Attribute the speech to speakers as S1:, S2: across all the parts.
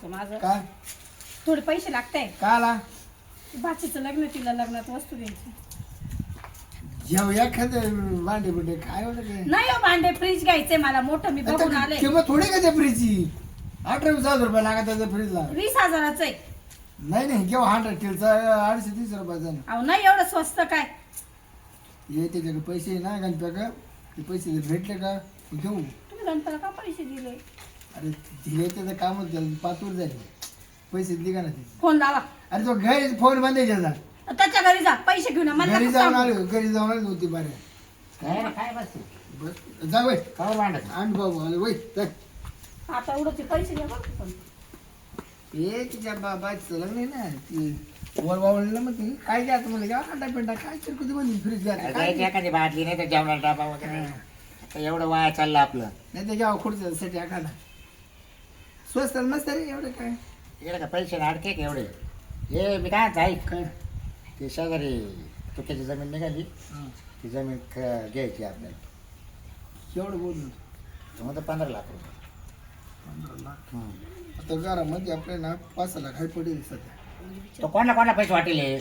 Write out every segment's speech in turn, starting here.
S1: होतं माझं.
S2: काय
S1: थोडे पैसे लागताय.
S2: काय आला
S1: बाचीचं लग्न, तिला लग्नात वस्तू द्यायची.
S2: जेव एखादं भांडे बिंडे काय होतं काय
S1: नाही हो, भांडे फ्रीज घ्यायचंय मला मोठं, मी बघून आले.
S2: किंमत थोडी का त्या फ्रीजची 18,000 लागत त्या फ्रीजला.
S1: 20,000च आहे.
S2: नाही नाही केव्हा 100 किलचा 230 रुपयाचा ना.
S1: अहो नाही एवढं स्वस्त काय.
S2: ये त्याच्याकडे पैसे आहे ना गणप्या का ते पैसे भेटले का घेऊ.
S1: तुम्ही गणपतीला का पैसे दिले?
S2: अरे दिले त्याचं काम होतं पाचवर झाले पैसे दिले का ना ते.
S1: फोन लावा.
S2: अरे तो घरी फोन बंद आहे त्याचा.
S1: त्याच्या घरी जा, पैसे घेऊन या. मला
S2: घरी
S1: नको
S2: जाऊन
S1: सांगू.
S2: आलो घरी जाऊन आलो होती बारे
S3: काय रे, काय बस
S2: बस जा वय
S3: काय भांडत
S2: आण बाबू आले वय जा.
S1: आता एवढं ते पैसे घ्या बरं पण.
S2: हे तिच्या बाबाचं लग्न आहे ना ती वर वावळलं मग ती काय घ्या तुम्हाला घ्या अंडा पिंडा काय चिरकुती बंद फ्रीज घ्या काय
S3: एखादी बाटली नाही तर जेवणाला डबा वगैरे आता एवढं वाया चाललं आपलं.
S2: नाही ते घ्यावं खुर्च्यासाठी एखादा स्वस्त मस्त रे एवढं काय
S3: इकडे का पैसे अडके का एवढे. हे मी काय ऐक
S2: काय
S3: ते शेजारी तुक्याची जमीन निघाली
S2: हां
S3: ती जमीन घ्यायची आपल्याला.
S2: एवढं बोलून
S3: तर मग 15 लाख रुपये.
S2: 15 लाख
S3: हं.
S2: आता घरामध्ये आपल्याला 5 लाख हाय पडेल सध्या
S3: तो कोणाला पैसे वाटेल हे?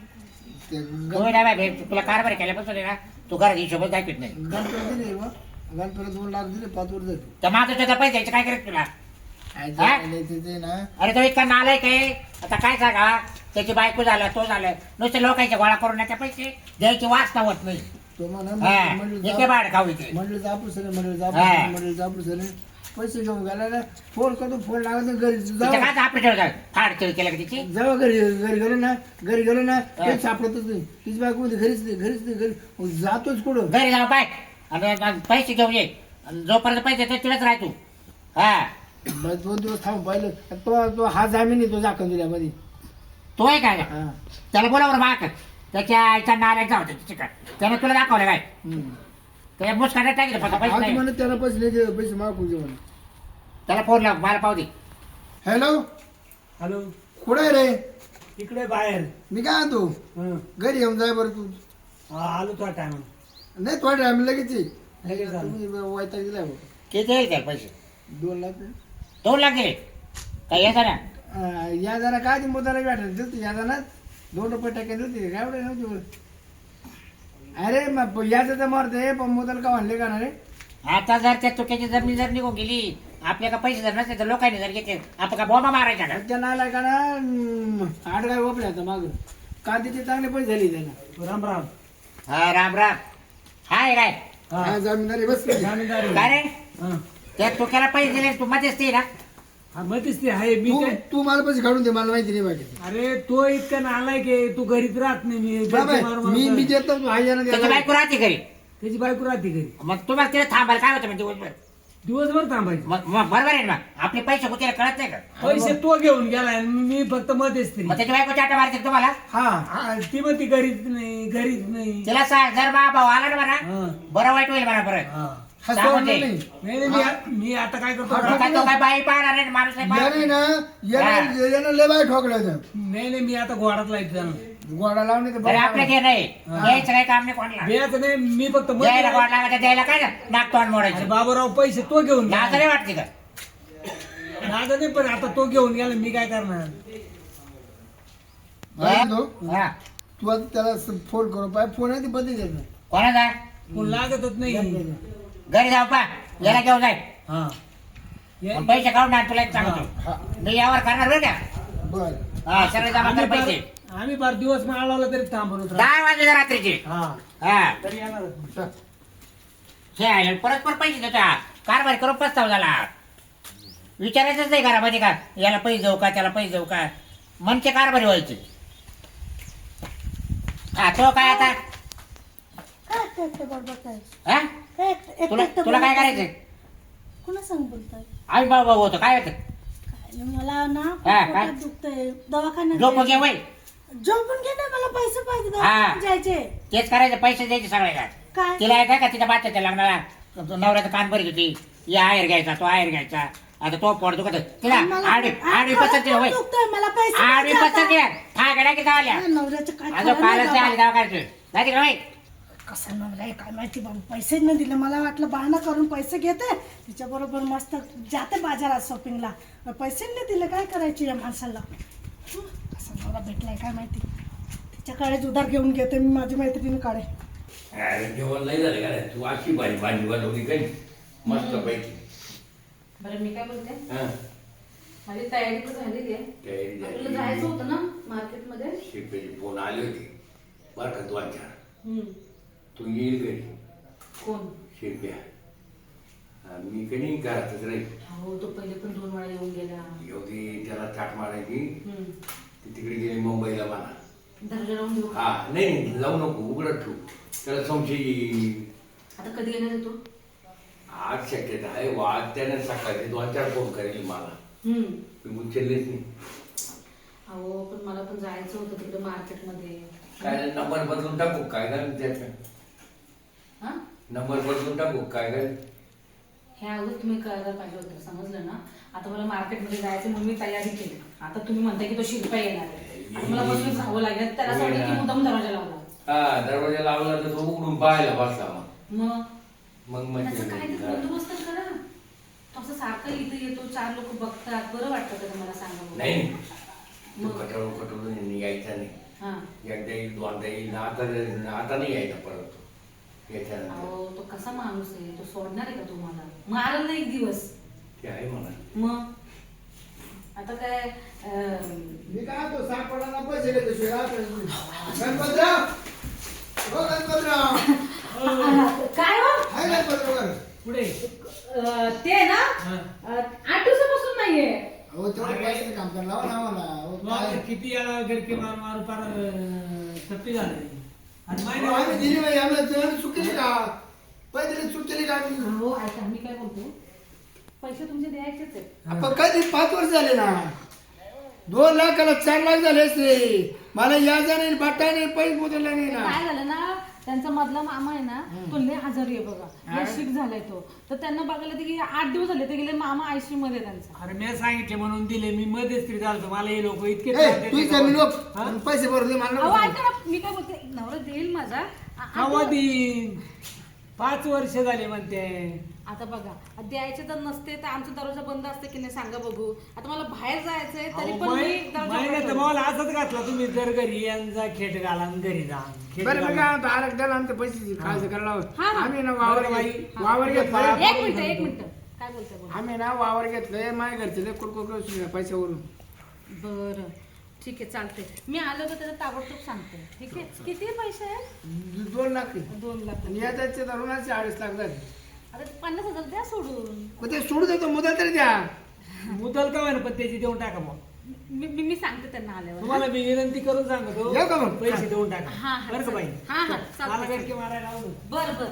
S2: ते
S3: तू नाही बाय तुला कारभार केल्यापासून आहे ना तू घरात हिशोबच दाखवत नाही.
S2: गणपती दिले बा गणपतीला 2 लाख दिले 5 वर जाते
S3: तर माझं त्याचा पैसे द्यायचे काय करत तुला?
S2: काय
S3: हा?
S2: ते ना
S3: अरे तो इतका नालायक आहे. आता काय सांगा त्याची बायको झालं तो झालं नुसते लोकांचे गोळा करून त्याचे पैसे द्यायची वासना होत नाही.
S2: तो म्हणा
S3: हा, इथे बाहेर खाऊ इथे.
S2: मंडळी जापूस मंडळी
S3: हा.
S2: मंडळी जापूस पैसे घेऊन गेला ना फोन करतो फोन लागत नाही घरी
S3: तिच्या
S2: जाऊ
S3: काय आपल्या ठेवतात फाड केलं का तिची.
S2: जाऊ घरी घरी गेलो ना काही सापडतच नाही तिची बायको मध्ये घरीच नाही घरी मग जातोच कुठं
S3: घरी जाऊ पाय आणि पैसे घेऊन ये आणि जोपर्यंत पैसे येतात तिलाच राह तू. हा
S2: मग 2 दिवस थांबून पाहिलं तो हा जामीन आहे तो जाखण दिल्यामध्ये
S3: तो आहे काय
S2: हा
S3: त्याला बोलावर माग त्याच्या आईचा नालायक जाऊ तिकडे त्याने तुला दाखवलं काय त्या मुस्काटात टाकलं फक्त पैसे
S2: आज
S3: नाही.
S2: म्हणत त्याला पैसे नाही दिले, पैसे मागू दे म्हणे
S3: त्याला फोन लाव मला पाहू दे.
S2: हॅलो
S4: हॅलो
S2: कुठे आहे रे
S4: इकडे बाहेर
S2: मी काय आणतो
S4: हं.
S2: घरी येऊन जाय बरं तू
S4: हा, आलो तो टाइम
S2: नाही थोडं टाइम लगेच ये.
S4: लगेच आलो.
S2: तुम्ही वैताग दिलाय बघ.
S3: किती येईल त्याला पैसे?
S2: 2 लाख
S3: 2 लाख दिले काय येतं ना.
S2: या जरा काय ती मुद्दाला भेटायला दिलती या जरा 2 रुपये टाकायला दिलती काय एवढे नव्हते अरे मग याचं तर मरते पण मुद्दाला का म्हणले का ना रे
S3: आता जर त्या चुक्याची जमीन जर निघून गेली आपल्या का पैसे जर नसते तर लोकांनी जर घेतले आपण का बॉम्बा मारायचा का.
S2: त्या नाला का ना आठ काय ओपले आता माग कांद्याचे चांगले पैसे झाले त्यांना
S4: राम राम
S3: हा राम राम. हाय काय
S2: हा जमीनदारी बस
S4: जामीनदारी
S3: काय रे
S4: हं.
S3: त्या चुक्याला पैसे दिले तू मध्येच ते ना.
S4: हा मध्येच ते आहे मी
S2: तू
S4: काय
S2: तू मला पैसे काढून दे मला माहिती नाही बाकी
S4: अरे तो इतका नालायक आहे तू घरीच राहत नाही मी
S2: बाबा,
S4: घरचे मारून
S2: मी
S4: मारून
S2: देतो तू हाय
S3: त्याची बायको राहते घरी
S4: त्याची बायको राहते घरी
S3: मग तुम्हाला तिला थांबायला काय होतं म्हणजे दिवसभर.
S4: दिवसभर थांबायचं
S3: मग बरोबर आहे ना आपले पैसे कुठे कळत नाही का.
S4: पैसे तो घेऊन गेलाय आणि मी फक्त मध्येच तरी
S3: मग त्याची बायको चाटा मारते का तुम्हाला.
S2: हा
S4: ती मग ती घरीच नाही
S3: तिला सांग जर बा भाऊ आला ना म्हणा
S4: हं.
S3: बरं वाईट होईल म्हणा परत.
S4: हा.
S2: हा
S3: सांगून
S2: सोडणार
S3: दे.
S2: नाही
S4: नाही मी आता काय करतो
S2: हा,
S3: काय तो काय बाई पाहणार नाही माणूस नाही पाहणार.
S2: याने ना यानं लय बाय ठोकलं
S4: नाही मी आता घोडात लाईट जाणार
S2: गोडा लावणे तर
S3: अरे आपल्या घे नाही यायचं काही काम नाही कोणाला.
S4: द्यायचं नाही मी फक्त
S3: द्यायला
S4: मध्ये-
S3: गोड लागायचं द्यायला काय ना नाक तोंड
S4: अरे
S3: मोडायचं.
S4: बाबूराव पैसे तो घेऊन
S3: नाक
S4: गेला.
S3: नाही वाटते का.
S4: नाद नाही पण आता तो घेऊन गेला मी काय करणार
S3: हा.
S2: तू आता त्याला फोन करू पाय फोन आहे ती बंद देत नाही
S3: कोणाचा
S4: कोण लागतच नाही
S3: घरी जाऊ पा याला घेऊन जाय
S4: हा ये-
S3: पण पैसे काढून आण तुला एक
S2: हा.
S3: सांगतो मी यावर करणार बरं का.
S2: बर
S3: हा सगळे जमा कर पैसे.
S4: आम्ही बार दिवस माळवला तरी थांबून होतो
S3: 10 वाजले रात्रीचे.
S4: हा
S3: हा
S4: तरी येणार
S3: हे आहे, परत परत पैसे देतो हा. कारभार करून पस्ताव झाला. विचारायचंच नाही घरामध्ये का याला पैसे जाऊ का त्याला पैसे जाऊ का मनचे कारभारी व्हायचे. हा तो काय आता
S1: काय एकटं बडबड काय?
S3: हा
S1: काय एकटं-
S3: तुला
S1: एकटं
S3: तुला काय
S1: बोलताय?
S3: करायचंय.
S1: कोणा सांग बोलताय?
S3: आम्ही भाऊ भाऊ होतो काय होतं.
S1: काय नाही, मला ना
S3: हा,
S1: पोटात
S3: काय?
S1: दुखतंय दवाखान्यात
S3: झोप घे वय
S1: झोपून घे ना मला पैसे पाहिजे
S3: हा.
S1: दवाखान्यात जायचे.
S3: तेच करायचं पैसे द्यायचे सगळ्याला.
S1: काय
S3: तिला येत का तिच्या बाच्याच्या लग्नाला नवऱ्याचा कान भरत होती या आहेर घ्यायचा तो आहेर घ्यायचा आता तो पोट दुखत तिला
S1: मला-
S3: आडवी
S1: पोटात
S3: पसंत वय
S1: दुखतंय, मला पैसे
S3: आडवी
S1: पाहिजे
S3: पसंत
S1: आता.
S3: ठाकड्या की जावल्या
S1: हा, नवऱ्याचं काय
S3: अजून
S1: खरं नाही
S3: कालच
S1: बाबा.
S3: आली दवाखान्यात जायचे का बाई
S1: कसा नवरा आहे काय माहिती बाबा, पैसे नाही दिले. मला वाटलं बहाणा करून पैसे घेते तिच्याबरोबर मस्त जाते बाजारात शॉपिंगला, पैसे नाही दिले. काय करायचे या माणसाला? कसा नवरा भेटलाय काय माहिती. तिच्याकडे उधार घेऊन घेते मी माझी मैत्रिणीकडे.
S5: अरे जेवण नाही झालं का रे? तू अशी भाजी भाजी बनवली काही मस्त पैकी.
S6: बरं मी काय बोलते,
S5: हा
S6: माझी तयारी तर झालेली आहे.
S5: तयारी
S6: आपल्याला
S5: झाली.
S6: जायचं होतं ना मार्केटमध्ये.
S5: शिपेची फोन आली होती बरं का, 2-4.
S6: हम्म.
S5: तू येईल घरी
S6: कोण?
S5: शिरप्या. मी कधी घरातच राहील.
S6: हो, तो पहिले पण 2 वेळा येऊन गेला.
S5: एवढी त्याला चाट मारायची.
S6: हम्म.
S5: ती तिकडे गेली मुंबईला म्हणा.
S6: दर्जा लावून देऊ का?
S5: हा नाही लावू नको, उघडत ठेवू. त्याला संशय येईल.
S6: आता कधी येणार आहे तो?
S5: आज शक्यता आहे. वाद त्याने सकाळचे 2-4 फोन करेल मला. मी उचललेच नाही.
S6: अहो पण मला पण जायचं होतं तिकडे मार्केटमध्ये.
S5: काय नंबर बदलून टाकू काय का त्याचा?
S6: हा,
S5: नंबर बदलून टाकू काय काय?
S6: हे अगोदर तुम्ही करायला पाहिजे होतं, समजलं ना. आता मला मार्केटमध्ये जायचं म्हणून मी तयारी केली. आता तुम्ही म्हणताय की तो शिल्पा येणार आहे. आता मला बसून राहावं लागेल. त्याला असं वाटलं की मुद्दाम दरवाजा लावला.
S5: हा दरवाजा लावला तर तो उघडून पाहायला बसला
S6: मग
S5: मग
S6: त्याचं काय ते
S5: म्हणजे
S6: बंदोबस्त करा. तो असं सारखं इथं येतो, 4 लोक बघतात, बरं वाटतं का मला सांगा बरं?
S5: नाही तू
S6: मग?
S5: कटवून यायचा नाही.
S6: हा.
S5: एकदा येईल 2दा येईल. आता नाही यायचा परत तो याच्यानंतर.
S6: अहो तो कसा माणूस आहे, तो सोडणार आहे का तुम्हाला? मारल ना एक दिवस.
S5: ते आहे म्हणा.
S6: मग आता काय
S2: मी काय तो सापडायला पैसे घेतो शिवाय गणपतराव. हो गणपतराव.
S6: काय हो?
S2: हाय गणपतराव.
S4: पुढे
S6: ते ना 8 दिवसापासून नाहीये.
S2: हो तेवढे पैसे काम करायला लावा ना मला. हो, काय?
S4: मग किती याला गरके मार मार पार थप्पी झाले. आणि
S2: हो,
S4: महिना
S2: आम्ही दिली बाई, आम्हाला चुकीली का पैसे चुकीली का आम्ही?
S6: हो ऐका, मी काय बोलतो, पैसे तुमचे द्यायचेच आहेत.
S2: आपण कधी 5 वर्ष झाले ना. 2 लाखाला 4 लाख झाले असते. मला याचा नाही बाटा नाही पैसे बदलला नाही ना.
S6: काय झालं ना, त्यांचा मधला मामा आहे ना, तो लय आजारी आहे बघा, लय शिक झालाय तो. तर त्यांना बघायला ते गेले 8 दिवस झाले, ते गेले मामा आयसीयू मध्ये त्यांचा.
S4: अरे मी सांगितले म्हणून दिले. मी मध्येच तरी चालतो. मला हे लोक इतके
S2: ए,
S4: त्रास देते
S2: तू
S4: का?
S2: जमीन लोक
S4: हा?
S2: पैसे भरून दे मला
S6: अहो
S2: नको.
S6: ऐका ना, मी काय बोलते, नवरा देईल माझा.
S4: केव्हा देईन? 5 वर्ष झाले म्हणते.
S6: आता बघा, द्यायचे तर नसते तर आमचा दरवाजा बंद असते की नाही सांगा बघू. आता मला बाहेर जायचंय तरी पण मी दरवाजा
S4: महिन्यात
S6: उघडतो.
S4: मला असंच घातला. तुम्ही जर घरी यांचा खेट घाला आणि घरी जा. खेट
S2: बरं मी
S4: घाला.
S2: काय म्हणतो, आरक द्याला आमच्या पैसे खायचं करायला लावत.
S6: हा, हा.
S2: आम्ही ना वावर
S4: बरं बाई.
S2: वावर घेतलं.
S6: एक मिनिट काय बोलतोय बोला.
S2: आम्ही ना वावर घेतलंय. माझ्या घरचे लय कुडकुड पैशावरून.
S6: बरं ठीक आहे, चालते. मी आलो तर त्याला ताबडतोब सांगते. ठीक आहे, किती पैसे आहेत?
S2: 2 लाख.
S6: 2 लाख.
S2: आणि याचे धरूनच 2.5 लाख झाले.
S6: आता 50,000 द्या सोडून.
S2: मग ते सोडू देतो मुदत तरी द्या.
S4: मुदल का होईना पण त्याची देऊन टाका मग.
S6: मी सांगते त्यांना आल्यावर.
S4: तुम्हाला मी विनंती करून सांगतो.
S2: येऊ का मग?
S4: पैसे देऊन टाका.
S6: हा हा
S4: बरं का बाई?
S6: हा हा
S4: मला
S6: चालतंय.
S4: गरके मारायला आवडत.
S6: बर बर.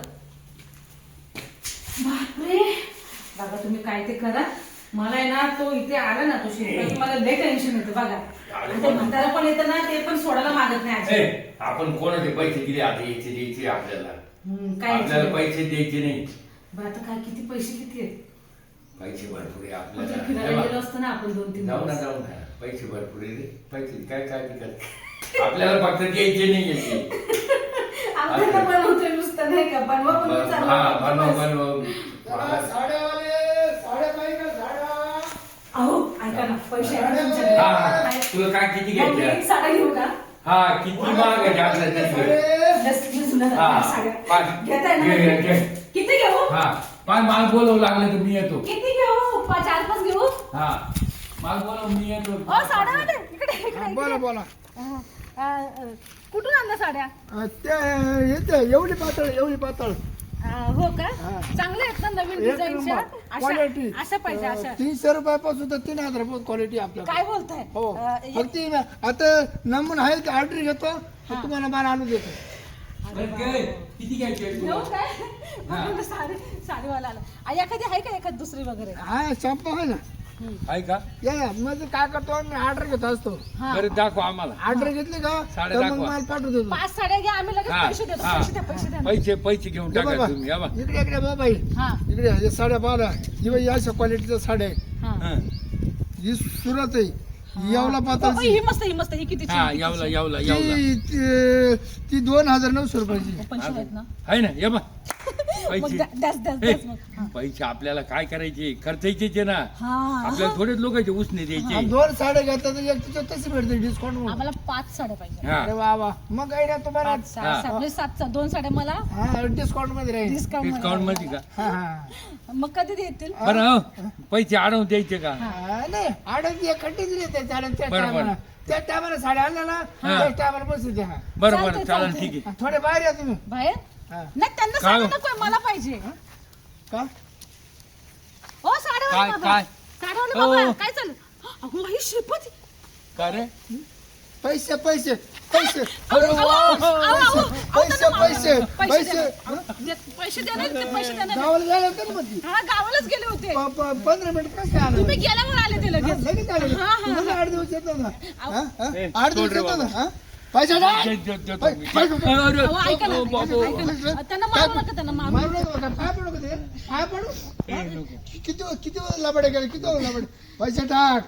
S6: बापरे बाबा, तुम्ही काय ते करा. मला आहे ना, तो इथे आला ना, तो शिल्पा, मला लय टेन्शन येतं बघा. आणि ते म्हातारा पण येतं ना, ते पण सोडायला मागत नाही
S5: ए,
S6: आजी.
S5: आपण कोणाचे पैसे दिले आता यायचे द्यायचे आपल्याला.
S6: काय
S5: आपल्याला पैसे द्यायचे नाही.
S6: बरं, आता काय किती पैसे किती आहेत?
S5: पैसे भरपूर आहे
S6: म्हणजे फिरायला
S5: आपल्याला.
S6: गेलो असतो ना आपण 2-3
S5: जाऊ ना
S6: दिवस.
S5: जाऊ ना. पैसे भरपूर आहे रे. पैसे काय काय करत आपल्याला फक्त द्यायचे नाही यायचे.
S6: आपल्याला बनवतोय नुसतं नाही का, बनवा पण मी चालू
S5: हा
S6: करतो
S5: बनव
S6: बस.
S5: बनव.
S2: साड्यावाले साड्या पाहिजे का साड्या?
S6: अहो ऐका ना, पैसे आहेत तुमच्याकडे.
S5: हा हा.
S6: आहे.
S5: तुला काय किती
S6: मग मी
S5: घ्यायच्या?
S6: एक साड्या घेऊ का?
S5: हा किती महाग आहे आपल्याला त्याचे.
S6: जास्त जुन्या
S5: हा
S6: साड्या.
S5: पाच
S6: घेताय ना?
S5: घे, घे.
S6: किती घेऊ?
S5: हा पाच माल बोलवू लागलं तर मी येतो.
S6: किती घेऊ? 4-5 घेऊ?
S5: हा माल बोलव मी येतो.
S6: साड्या इकडे इकडे
S2: बोला बोला.
S6: कुठून आणल्या साड्या?
S2: ते येते एवढी पातळ.
S6: हो का?
S2: हा.
S6: चांगल्या आहेत ना, नवीन
S2: एक
S6: डिझाईनच्या.
S2: नंबर. क्वालिटी.
S6: अशा पाहिजे अशा.
S2: 300 रुपयापासून तर 3000 रुपये क्वालिटी आपल्याला.
S6: काय बोलताय?
S2: हो फक्त आता नमून आहे की ऑर्डर घेतो तर तुम्हाला माल आणून देतो.
S5: किती घ्यायचे
S6: घेऊ काय? बघून साडीवाला आला. एखादी आहे का एखादी दुसरी वगैरे?
S2: हा शॉप आहे ना.
S5: आहे का?
S2: या म्हणजे काय करतो मी ऑर्डर घेत असतो.
S6: हा.
S5: बरं दाखव आम्हाला.
S2: ऑर्डर घेतली का
S5: साड्या
S2: तर मग
S5: दाखवा.
S2: माल पाठवतो.
S6: 5 साड्या घ्या, आम्ही लगेच
S5: हा,
S6: पैसे देतो.
S5: हा.
S6: पैसे द्या.
S5: पैसे घेऊन
S2: हे
S5: टाका
S2: बाबा,
S5: तुम्ही या बा.
S2: इकडे बाबा
S6: हा
S2: इकडे हे साड्या पाहा ही बाई अशा क्वालिटीच्या साड्या आहे.
S6: हा
S5: हं.
S2: ही सुरत आहे. यावला
S6: ही
S2: पाताळची
S6: मस्त ही किती
S7: हा यावला यावला यावला
S2: ती 2900 रुपयाची
S6: पंचवीस आहेत ना
S7: आहे ना ये बा
S6: मग
S7: पैसे
S6: द्यास मग हा.
S7: पैसे आपल्याला काय करायचे खर्चायचे ना
S6: हा
S7: आपल्याला थोडेच लोकांचे उसने द्यायचे
S2: 2 साड्या घेतात तर एक तिच्यात तशी भेटते डिस्काउंट म्हणून.
S6: आम्हाला 5 साड्या पाहिजे
S7: हा
S2: अरे वा वा मग काय ना तुम्हाला
S6: 5 6 म्हणजे 7 2 साड्या मला
S2: हा डिस्काउंट मध्ये राहील
S7: डिस्काउंट मध्ये का
S2: हा हा
S6: मग कधी देतील
S7: बरं हो पैसे अडवून द्यायचे का
S2: हा, नाही आडत एक खड्डे दिले त्या साड्या त्या
S7: बरं, बरं.
S2: टायमाला त्या टायमाला साड्या आणल्या ना त्या टायमाला बसू द्या
S7: बरं
S6: चालतंय,
S7: बरं चालेल
S6: चालतंय.
S7: ठीक आहे
S2: थोडे बाहेर या तुम्ही
S6: बाहेर
S2: हा.
S6: नाही त्यांना
S7: काय?
S6: साड्या नकोय मला पाहिजे
S2: का
S6: ओ साड्यावाले
S7: काय
S6: बाबा
S7: काय
S6: साड्यावाले
S7: ओ.
S6: बाबा काय चाललं अहो ही श्रीपती
S7: का रे
S2: पैसे पैसे पैसे
S6: अहो,
S2: अरे
S6: अहो,
S2: वा.
S6: अहो, अहो, अहो,
S2: पैसे
S6: त्यांना-
S2: पैसे
S6: पैसे
S2: पैसे
S6: पैसे देणार ते पैसे देणार
S2: गावाला जायला होतं ना मग ती.
S6: हा गावालाच गेले होते
S2: 15 मिनिट कसं आलं
S6: तुम्ही गेल्यावर आले ते लगेच
S2: लगेच आलं
S6: हा, हा,
S2: तुम्हाला 8 दिवस येतो ना हा? हा?
S7: ए,
S2: 8 दिवस
S7: सोड रे
S2: येतो ना
S7: बाबा.
S2: हा? पैसे टाक.
S7: देतो मी.
S2: पैसे टाक.
S7: अरे,
S6: अहो, ऐका ना,
S7: ओ, बाबू.
S6: ऐका ना. त्यांना मारू नका त्यांना मारू
S2: मारू नका का? पाय पडू का ते? पाय पडू?
S7: ए, नको.
S2: किती लबाडे गेले किती लबाडे पैसे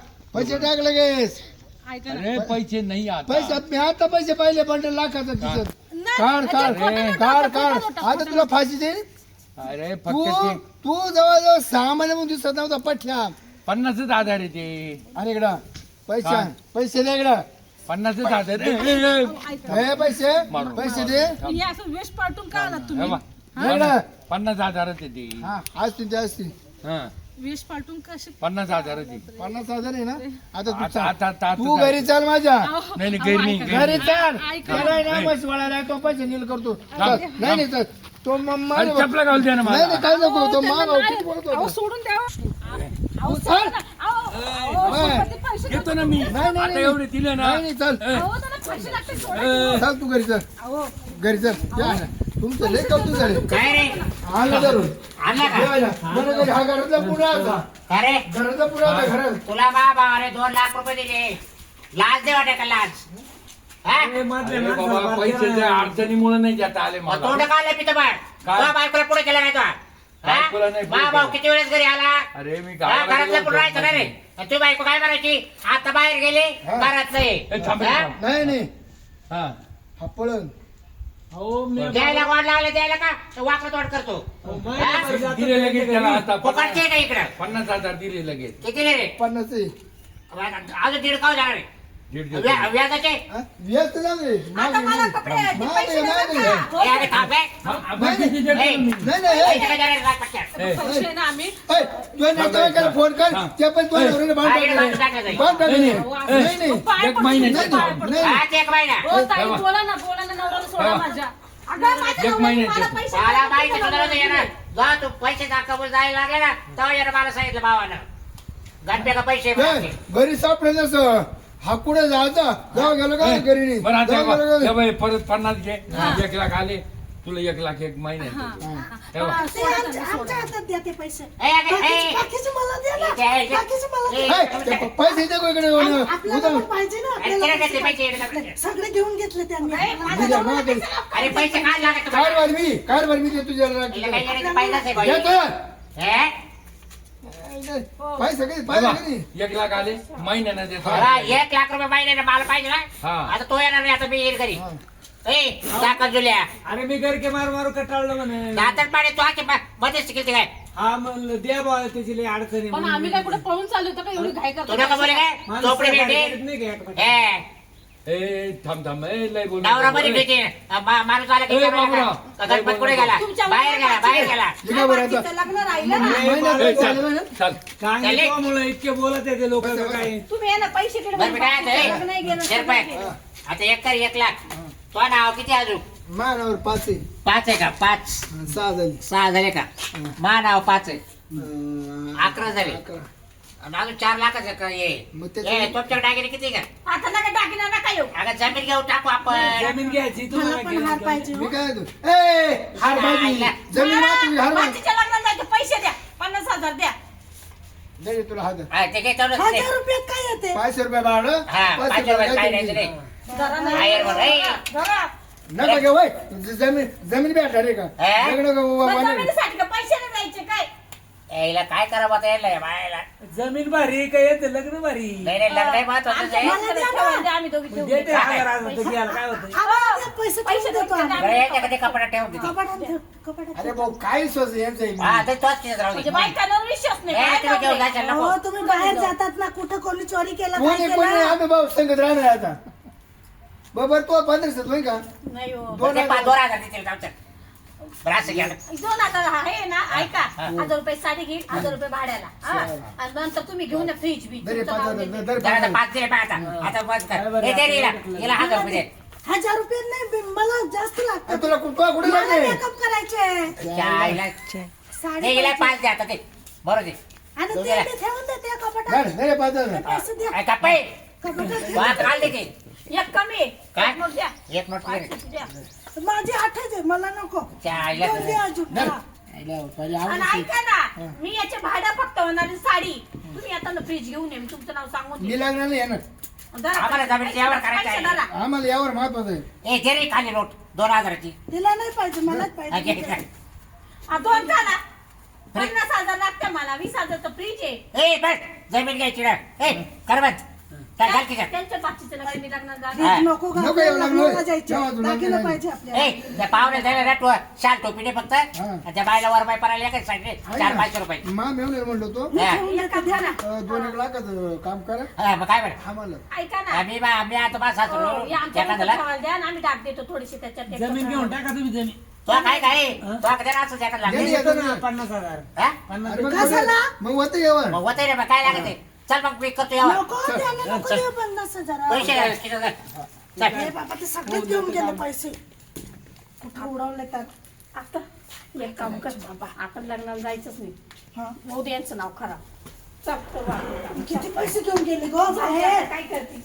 S2: टाक लगेच
S6: ऐका ना
S7: अरे पैसे नाही आता
S2: पैसे मी आता पैसे पाहिले बंडल लाखाचा तिच्यात
S6: नाही,
S2: काढ
S6: ते
S2: काढ
S6: खोटं नका,
S2: काढ
S6: खोटं
S2: काढ
S6: नका,
S2: आता तुला फाशी देईल
S7: अरे
S2: तू
S7: फक्त ते
S2: तू जवळजवळ 6 महिन्यापासून दिसत नव्हता पठ्या
S7: 50च आधार आहे ते
S2: अरे इकडं पैसे
S7: काय?
S2: पैसे दे इकडं
S7: 50च आधार आहे. ए, ए, ए.
S6: ऐका
S2: हे पैसे
S7: मारू.
S2: पैसे दे
S6: हे असं वेश पाठवून का आलात
S7: हे
S6: तुम्ही
S7: बा.
S2: दे इकडं
S7: 50 आधारच आहे ते
S2: हा असतील ते असतील
S7: हा
S6: वेश पाठवून कसे
S7: 50 आधारच आहे
S2: 50,000 आहे ना आता तू
S7: आता
S2: चाल.
S7: आता आता
S2: तू घरी चाल माझ्या
S7: नाही नाही घरी नाही घरी
S2: घरी
S7: नाही.
S2: चाल
S6: ऐका.
S2: त्याला आहे ना म्हशी वाळायला तो पैसे नील करतो
S7: थांब,
S2: चल. नाही नाही चल. तो
S7: अरे चपला घालू द्या ना
S2: नाही
S7: मला
S2: नाही काय नको तो
S6: त्यांना
S2: माग
S6: नाही.
S2: किती बोलत
S6: अहो,
S2: होता.
S6: सोडून द्या अहो, सोडा ना. अहो, श्रीपती पैसे
S7: येतो ना मी
S2: नाही, नाही,
S7: आता एवढे दिले ना
S2: नाही नाही चल
S6: अहो, त्यांना पैसे लागते सोडा.
S2: चल तू घरी चल
S6: अहो,
S2: घरी चल या ना तुमचं लय कौतुक झाले
S3: काय रे
S2: आलं धरून
S3: आणला का
S2: या ना. बरं घरी हा घरातला पुढा होता
S3: काय रे
S2: घराचा पुढा होता घरात
S3: तुला बाबा अरे 2 लाख रुपये दिले लाच दे वाटे का लाच हा?
S4: ए, मारले,
S7: अरे
S4: मारले,
S7: बाबा
S4: मारले.
S7: पैशाच्या अडचणीमुळे नाही जाता आले
S3: मग तोंड
S7: मला
S3: काढलं पितं बाळ
S7: काय?
S3: तुझ्या बायकोला पुढे केला नाही तो
S7: बायकोला नाही पुढे
S3: भाऊ
S7: केलं.
S3: किती वेळेस घरी आला
S7: अरे मी
S3: हा,
S7: गावाला
S3: घरातलं
S7: गेलो
S3: पुढे राहायचं
S7: होतो.
S3: ना रे आणि तू बायको काय करायची आता बाहेर गेले
S2: हा.
S3: घरात नाही
S7: ए, थांब रे,
S3: हा?
S7: थांब.
S2: नाही नाही
S7: हा.
S2: हा पळण
S4: अहो, मी-
S3: द्यायला वाढ लावले द्यायला का वाकडं तोड करतो
S4: अहो, माझ्या पैसे आता
S7: दिले लगेच त्याला आता
S3: फुकटचे आहे का इकडं
S7: 50,000 दिले लगेच
S3: किती दिले रे
S2: 50 आहे.
S3: अजून दीड काव जाणार रे
S7: दीड दिवस.
S3: व्याजाचे
S2: हा? व्यस्त झालं रे.
S6: आता मला कपडे आहेत, ते पैसे
S2: नाही,
S6: देणार
S2: नाही,
S6: का?
S3: ए, अरे थांब बे.
S7: हा, बाकीचे देतो
S3: ए,
S7: मी.
S2: नाही नाही ए,
S3: पैसे काय देणार रे लाच पटक्यात?
S7: ए,
S6: पैसे ना आम्ही
S2: ए, तुझ्या नातेवाईकाला फोन कर
S7: हा.
S2: ते पण तुझ्या नवऱ्याला बांध
S3: हा, इकडे
S2: टाकले.
S3: बांधून टाकायचं.
S2: बांध टाकले.
S7: नाही,
S2: नाही
S7: नाही.
S2: नाही
S6: पाय
S7: एक
S6: पडतो,
S7: महिन्याची
S6: पाय
S2: नाही,
S6: पडतो.
S2: नाही.
S3: हा, ते एक महिना
S6: हो ताई
S7: तेव्हा.
S6: बोला ना नवऱ्याला सोडा
S7: तेव्हा.
S6: माझ्या अगं माझ्या
S7: एक
S6: नवऱ्याने
S7: महिन्याचे.
S6: मला पैसे
S3: मला
S6: दिले,
S3: माहिती
S6: मला
S3: तुला नव्हतं येणार
S6: माहिती.
S3: जा तू पैसे दाखवून जायला लागले ना तेव्हा येणं मला सांगितलं भावानं गणप्या का पैसे
S2: ए,
S3: भरायचे.
S2: घरी सापडे नसं हा कुठे जायचा जाऊ गेलो का
S7: ए,
S2: घरी नाही.
S7: बरं आता
S2: जाऊ गेलो
S7: हे
S2: का?
S7: बाई, परत 50 घे 1 लाख आले तुला 1 लाख 1 महिन्यात हे बघ.
S6: हा,
S1: ते
S6: सोडा
S1: आमच्या
S6: त्यांना,
S1: आमच्या
S6: सोडा.
S1: हातात द्या ते पैसे
S3: ए, अगं, ए.
S1: बाकीचे मला द्या ना
S3: ए,
S1: बाकीचे मला
S3: ए,
S1: द्या.
S2: ए, ते पैसे दे गो इकडे येऊन.
S1: आपल्याला पण पाहिजे ना
S3: अरे,
S1: आपल्याला
S3: तिला घेतले पैसे,
S1: पैसे
S3: इकडे
S1: पाहिजे. सगळे घेऊन घेतले त्यांनी
S2: दिल्या, मग दे.
S3: अरे पैसे काय लागत
S2: कार भर मी दे तुझ्या
S3: हिला काही येण्याची पाहिजेच आहे बाई.
S2: देतो.
S3: हे?
S2: पैसे किती
S7: हे
S2: पैसे
S7: बघ,
S2: किती
S7: 1 लाख आले महिन्यानं देतो
S3: मला 1 लाख रुपये महिन्याने मला पाहिजे ना
S7: हा.
S3: आता तो येणार नाही आता मी येईल घरी ए दाखल जुल्या
S4: अरे मी घर के मारू मारू कटाळलं म्हणे
S3: दातन पाणी तो आके मध्येच शिकते काय
S4: हा म्हणलं द्या बा त्याची लई अडचणी
S6: पण आम्ही काय कुठे पळून चाललो होतो का एवढी घाई
S3: तू
S6: करतो
S3: नका बोले काय
S4: माणसं
S3: चोपडी
S4: गाडी
S3: भेटेल
S4: करत नाही का एकमेकांना?
S3: हे
S7: ए थांब ए लय बोल
S3: नवरा मध्ये भेटे माणूस आला की
S7: ए,
S3: विचारायला
S7: बाबूराव.
S3: का? गणपत कुठे गेला
S6: तुमच्या
S3: बाहेर गेला बाहेर गेला
S2: निघा बरं आता.
S6: बाकीचं लग्न राहिलं ना
S7: ए, चल चल
S4: सांगितल्यामुळे इतके बोलत आहे ते लोक काय
S6: तुम्ही ये ना पैसे तिकडे
S3: बरं बेटा, आता
S6: लग्न नाही गेलं,
S3: हे,
S6: सगळं
S3: रुपये.
S6: गेलं.
S3: आता 1 कर 1 लाख तो नाव किती अजून
S2: मानावर 5 आहे
S3: 5 आहे का 5
S2: 6 झाली
S3: 6 झाले का मा नाव 5 आहे 11 झाले
S2: 11.
S3: आणि अजून 4 लाखाचं का ये
S2: मग त्याच्या-
S3: ए, तुमच्याकडे दागिने किती का
S6: आता नका दागिना नका येऊ
S3: अगं जमीन घेऊ टाकू आपण
S4: जमीन घ्यायची
S1: मला
S4: तुम्हाला
S1: पण हार पाहिजे
S2: मी
S1: हो.
S2: काय तू ए हार बाजी जमीन माती हार बाजी
S6: बाकीच्या लग्नाला जायचे पैसे द्या 50,000 द्या
S2: दे तुला हात
S3: हा, ते काय तेवढंच नाही.
S1: 1000 रुपयात काय येते
S2: 500 रुपये भाडं
S3: हा, 500 रुपये काय नाही रे.
S6: जरा नाही.
S3: बाहेर बरं, ए.
S6: जरा.
S2: नका घेऊ होय. जमीन भेटणार आहे का
S3: हे?
S2: लग्न
S6: मग
S2: वाले.
S6: जमिनीसाठी का पैसे नाही द्यायचे काय
S3: यायला काय करावं आता यायला या बायाला
S4: जमीन भारी काय येते लग्न भारी
S3: नाही नाही लग्न महत्वाचं आहे.
S6: आमच्या ठेवायला आम्ही दोघी ठेवू.
S4: देते 1000 तर घ्यायला काय होतं
S1: आम्हाला ते पैसे
S6: पैसे
S1: ठेवून देतो आम्ही.
S3: बरं, याच्याकडे कपडा ठेवून देते.
S1: कपाटात ठेव, कपाटात
S2: अरे
S1: ठेव.
S2: भाऊ काय स्वस यांचं आहे?
S3: हा तर तोच तिथं राहू
S6: म्हणजे
S3: दे.
S6: बायकांवर विश्वास नाही.
S3: नाही,
S6: काय
S3: तुम्ही घेऊन
S6: लावलंय?
S3: जायचं
S1: हो
S3: नको.
S1: तुम्ही बाहेर जातात ना कुठं कोणी चोरी केलं काय
S2: कोणी कोणी
S1: केलं
S2: आम्ही भाऊ संगत राहणार आता बरोबर तो 1500 होय का
S6: नाही हो.
S3: बरं, ते 2,000 देतील जाऊचं. बरं, असं घ्या.
S6: 2000 आहे ना ऐका
S3: हा.
S6: 1000 रुपये साडी घेईल 1000 रुपये भाड्याला हा. आणि नंतर तुम्ही घेऊन या फ्रीज बी
S2: दरे
S6: तुमचं नाव
S2: 5000
S6: देते.
S2: दर
S3: जरा आता 5 दिले पाहता आता बस कर. हे दे रे हिला. हिला 1000 रुपये दे.
S1: 1000 रुपये नाही मला जास्त लागतात
S2: तुला कुठे
S1: मला
S2: लागते
S1: मेकअप करायचे
S3: त्या आईला-
S1: साडी
S3: दे हिला
S1: पाहिजे.
S3: 5 दे आता ते. बरोबर दे.
S1: आणि
S3: दोन
S1: ते
S3: द्या.
S1: मी ठेवून देते कपाटात
S2: दरे 5000
S1: ते पैसे द्या
S3: काय कपाई?
S1: कपाटात
S3: वाद घाल दे ते.
S6: एक कमी
S3: काय?
S6: एक मग द्या.
S3: एक मिनिट दे.
S6: 500 द्या.
S1: द्या. माझी 8 आहे मला नको
S3: त्या आईला
S1: दोन द्या अजून हा.
S2: पहिले
S6: आणि
S2: आवडते.
S6: ऐका ना मी याचे भाडं फक्त होणारी साडी तुम्ही आता ना फ्रीज घेऊन ये मी तुमचं नाव सांगून
S2: मी
S6: देईन.
S2: लागणार नाही येणार
S6: धरा.
S3: आम्हाला जमिनीचं यावर करायचं आहे.
S6: पैसे धरा.
S2: आम्हाला यावर महत्वाचं आहे
S3: ए दे रे खाली नोट 2000ची.
S1: तिला नाही पाहिजे मलाच
S3: हा, घे,
S1: पाहिजे
S3: घे.
S6: हा, 2 झाला 50,000 लागते मला 20,000 तर फ्रीज आहे
S3: ए बस जमीन घ्यायची ना. ए कर बंद. काय घाल की
S6: त्यांच्या बाकीचं लग्न मी लग्नात
S3: हा.
S6: जाणार.
S1: नको
S2: नको
S1: घालायला,
S2: येऊ लागलो.
S1: लग्नाला जायचं
S2: जेव्हा तू
S1: दागिनं
S2: लग्न
S1: पाहिजे आपल्याला
S3: ए त्या पाहुणे झाले ना तू शाल टोपीने फक्त आणि त्या बायला वर बाय परायला काय सांगितले 400-500 रुपये.
S2: मा मेवणे म्हणलो तो
S1: मी
S3: हा.
S1: ठेवून देते द्या ना
S2: 2-1 लाखाचं काम करा
S3: हा, मग काय बरं
S2: आम्हाला
S6: ऐका ना
S3: आम्ही आता बा
S6: हो,
S3: सासू
S6: या आमच्या
S3: एखाद्याला
S6: ठेवायला द्या आणि आम्ही टाक देतो थोडीशी त्याच्यात ते
S4: जमीन घेऊन टाका तुम्ही जमीन
S3: तो काय काय तो कधी असं जॅकेट
S2: नाही,
S3: लागले
S2: येतो
S4: ना
S2: ना.
S4: 50,000
S3: हा?
S4: 50
S2: अरे मग
S1: कशाला?
S2: मग होतं यावर
S3: मग होतंय रे मग काय लागत आहे चल मग मी करतो यावर
S1: नको त्याला नको देऊ 50,000
S3: पैसे घाल, किती घाल. चल.
S1: हे बाबा ते सगळेच घेऊन गेले पैसे कुठं उडवले तर
S6: आता एक काम कर बाबा आपण लग्नाला जायचंच नाही
S1: हा.
S6: मोदी यांचं नाव खराब चल करू आपण काम.
S1: किती पैसे घेऊन गेले गो बाहेर
S6: काय करते